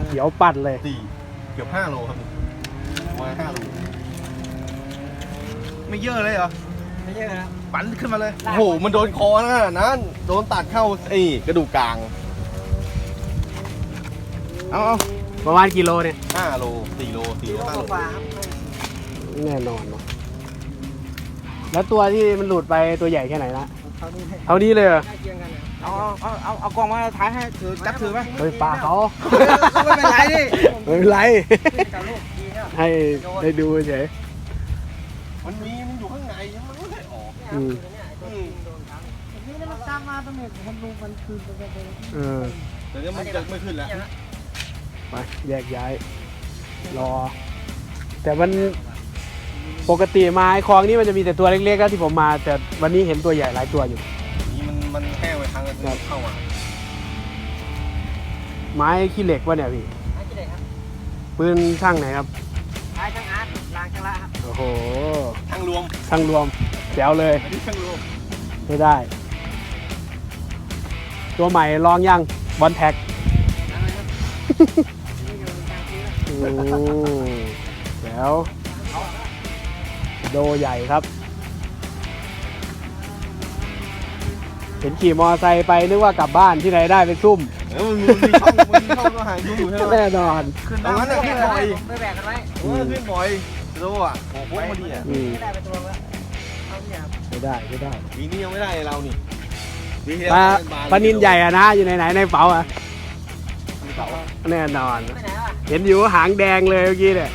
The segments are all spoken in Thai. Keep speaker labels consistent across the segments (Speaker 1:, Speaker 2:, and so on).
Speaker 1: เดี๋ยวปัดเลย
Speaker 2: เกือบ5 โลครับประมาณ5 โลไม่เยอะเลยเหรอ
Speaker 3: ไม่เยอะนะ
Speaker 2: ปั่นขึ้นมาเลยโอ้โหมันโดนคอนะนั่นโดนตัดเข้ากระดูกกลางเอา
Speaker 1: ประมาณกิโลเนี่ย
Speaker 2: 5 โล 4 โล 4 โล 5 โล
Speaker 1: แน่นอนเนาะแล้วตัวที่มันหลุดไปตัวใหญ่แค่ไหนนะเท่านี้เลยเหรอ
Speaker 3: เอากล้องมาถ่ายให้ถือจับถือไหม
Speaker 1: เฮ้ยปลาเขา
Speaker 3: ไม่เป็นไรดิ
Speaker 1: ไม่เป็นไรให้ได้ดูเฉย
Speaker 2: มันอยู่ข้างในมันไม่ได้ออก
Speaker 3: นี่มันตามมาตรงนี้มันลงมันคืนไป
Speaker 2: แต่เนี้ยมันจะไม่ขึ้นแล้ว
Speaker 1: ไปแยกย้ายรอแต่มันปกติมาไอ้คลองนี้มันจะมีแต่ตัวเล็กๆแล้วที่ผมมาแต่วันนี้เห็นตัวใหญ่หลายตัวอยู่
Speaker 2: นี่มันแห้งไปครั้งนึงเข้ามา
Speaker 1: ไม้ขี้เหล็กวะเนี่ยพี่
Speaker 3: ไม้ขี้เหล็กครับ
Speaker 1: ปืนช่างไหนครับ
Speaker 3: ไม้ช่างอาร์ตรางช่างละครับ
Speaker 1: โอ้โห
Speaker 2: ช่างรวม
Speaker 1: แจ๋วเลย
Speaker 2: ช่างรวม
Speaker 1: ไม่ได้ตัวใหม่ลองยังบอลแท็กแล้วโดใหญ่ครับเห็นขี่มอไซค์ไปนึกว่ากลับบ้านที่ไหนได้ไปซุ่ม
Speaker 2: มีช่องก็หายยุ่งอยู่ใช่ไหม
Speaker 1: แน่นอน
Speaker 2: ตรงนั้นน่ะขึ้นบ่อย
Speaker 3: ไม่แบกกันไว้
Speaker 2: ขึ้นบ่อยโลอ่ะโอ้โหพอดีอ่ะ
Speaker 3: ไม่ได้ไปตัวแล้ว
Speaker 1: ไม่ได้
Speaker 2: ปีนี้ยังไม่ได้เรานี่
Speaker 1: ปลานินใหญ่อะนะอยู่ไหนในเป๋าอะแน่นอนเห็นอยู่หางแดงเลยเมื่อกี้เนี่ย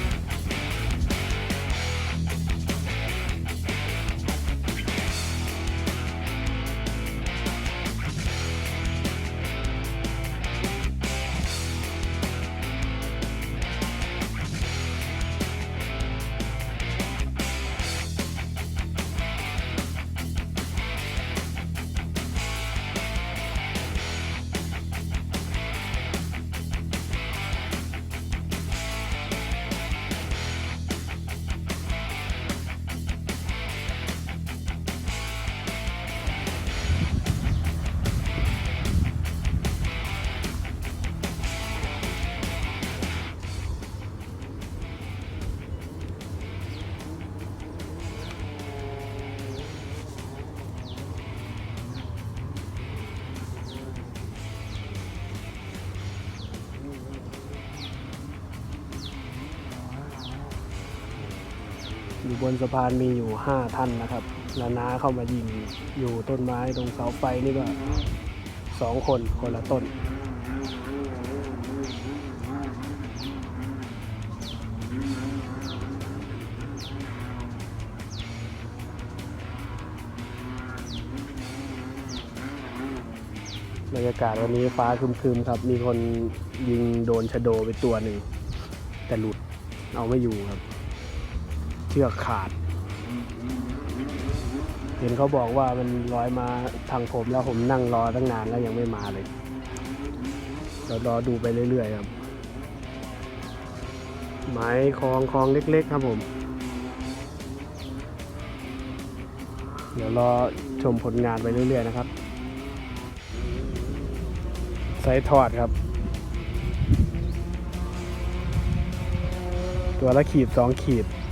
Speaker 1: อยู่บนสะพานมีอยู่5 ท่านนะครับแล้วน้าเข้ามายิงอยู่ต้นไม้ตรงเสาไฟนี่ก็2 คนละต้นบรรยากาศวันนี้ฟ้าครึมๆครับมีคนยิงโดนชะโดไปตัวหนึ่งแต่หลุดเอาไม่อยู่ครับเชือกขาดเห็นเขาบอกว่ามันลอยมาทางผมแล้วผมนั่งรอตั้งนานแล้วยังไม่มาเลยเรารอดูไปเรื่อยๆครับไม้คลองเล็กๆครับผมเดี๋ยวรอชมผลงานไปเรื่อยๆนะครับไซส์ทอดครับตัวละขีด2 ขีด